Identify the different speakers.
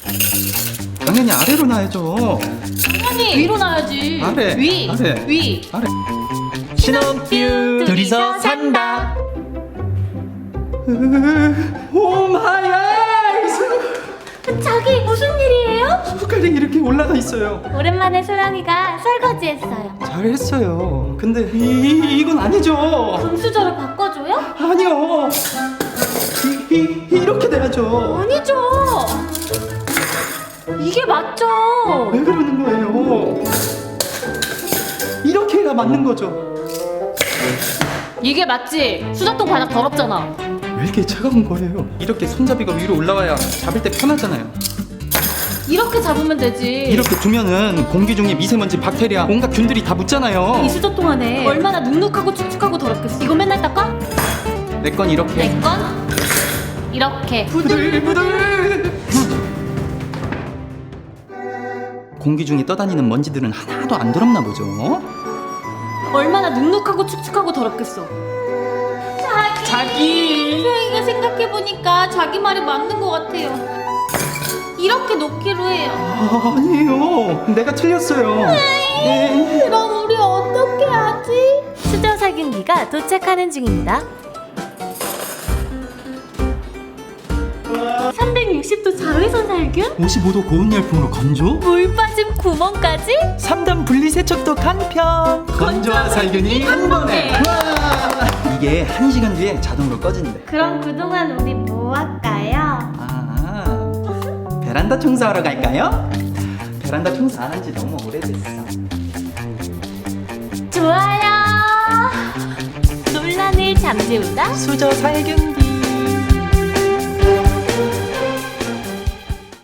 Speaker 1: 당연히 아래로 놔야죠.
Speaker 2: 당연히 위로 놔야지.
Speaker 1: 아래,
Speaker 2: 위,
Speaker 1: 아래.
Speaker 2: 위.
Speaker 1: 아래.
Speaker 3: 신혼뷰 둘이서 산다.
Speaker 1: 오 마이 아이스.
Speaker 2: 자기 무슨 일이에요?
Speaker 1: 손가락이 이렇게 올라가 있어요.
Speaker 2: 오랜만에 소랑이가 설거지했어요.
Speaker 1: 잘했어요. 근데 이건 아니죠.
Speaker 2: 분수저를 바꿔줘요?
Speaker 1: 아니요. 이렇게 돼야죠.
Speaker 2: 아니죠. 이게 맞죠.
Speaker 1: 왜 그러는 거예요? 이렇게 해야 맞는 거죠.
Speaker 2: 이게 맞지. 수저통 바닥 더럽잖아.
Speaker 1: 왜 이렇게 차가운 거예요? 이렇게 손잡이가 위로 올라가야 잡을 때 편하잖아요.
Speaker 2: 이렇게 잡으면 되지.
Speaker 1: 이렇게 두면은 공기 중에 미세먼지, 박테리아, 온갖 균들이 다 묻잖아요.
Speaker 2: 이 수저통 안에 얼마나 눅눅하고 축축하고 더럽겠어. 이거 맨날 닦아?
Speaker 1: 내 건 이렇게
Speaker 2: 내 건 이렇게.
Speaker 1: 부들부들. 공기 중에 떠다니는 먼지들은 하나도 안 더럽나 보죠.
Speaker 2: 얼마나 눅눅하고 축축하고 더럽겠어. 자기. 소영이가 생각해보니까 자기 말이 맞는 것 같아요. 이렇게 놓기로 해요.
Speaker 1: 아니에요. 내가 틀렸어요. 네.
Speaker 2: 그럼 우리 어떻게 하지? 수저 살균기가 도착하는 중입니다. 360도 자외선 살균?
Speaker 1: 55도 고온 열풍으로 건조?
Speaker 2: 물 빠짐 구멍까지?
Speaker 3: 3단 분리세척도 간편.
Speaker 1: 건조와 살균이 한 번에. 와! 이게 1시간 뒤에 자동으로 꺼진대.
Speaker 2: 그럼 그동안 우리 뭐 할까요?
Speaker 1: 베란다 청소하러 갈까요? 베란다 청소 안 한 지 너무 오래됐어.
Speaker 2: 좋아요. 논란을 잠재운다.
Speaker 3: 수저 살균기.